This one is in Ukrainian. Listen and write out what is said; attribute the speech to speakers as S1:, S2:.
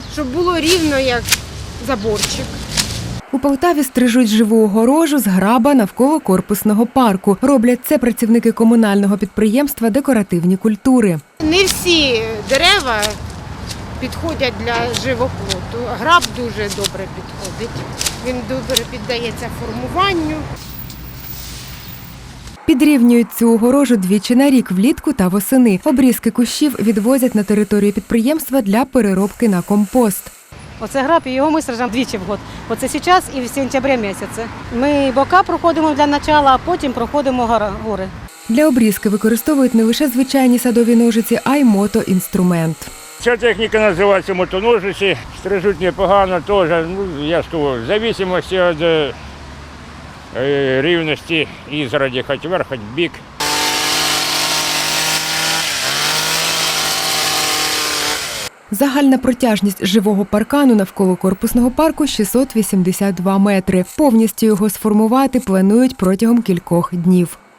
S1: щоб було рівно, як заборчик.
S2: У Полтаві стрижуть живу огорожу з граба навколо корпусного парку. Роблять це працівники комунального підприємства «Декоративні культури».
S1: Не всі дерева підходять для живоплоту. Граб дуже добре підходить. Він добре піддається формуванню.
S2: Підрівнюють цю огорожу двічі на рік – влітку та восени. Обрізки кущів відвозять на територію підприємства для переробки на компост.
S3: Оце граб, і його ми саджаємо двічі в год. Оце зараз і в сентябрі місяці. Ми бока проходимо для початку, а потім проходимо гори.
S2: Для обрізки використовують не лише звичайні садові ножиці, а й мотоінструмент.
S4: Ця техніка називається мотоножиці, стрижуть непогано теж, я ж кажу, в залежності від рівності ізгороді, хоч вверх, хоч бік.
S2: Загальна протяжність живого паркану навколо корпусного парку – 682 метри. Повністю його сформувати планують протягом кількох днів.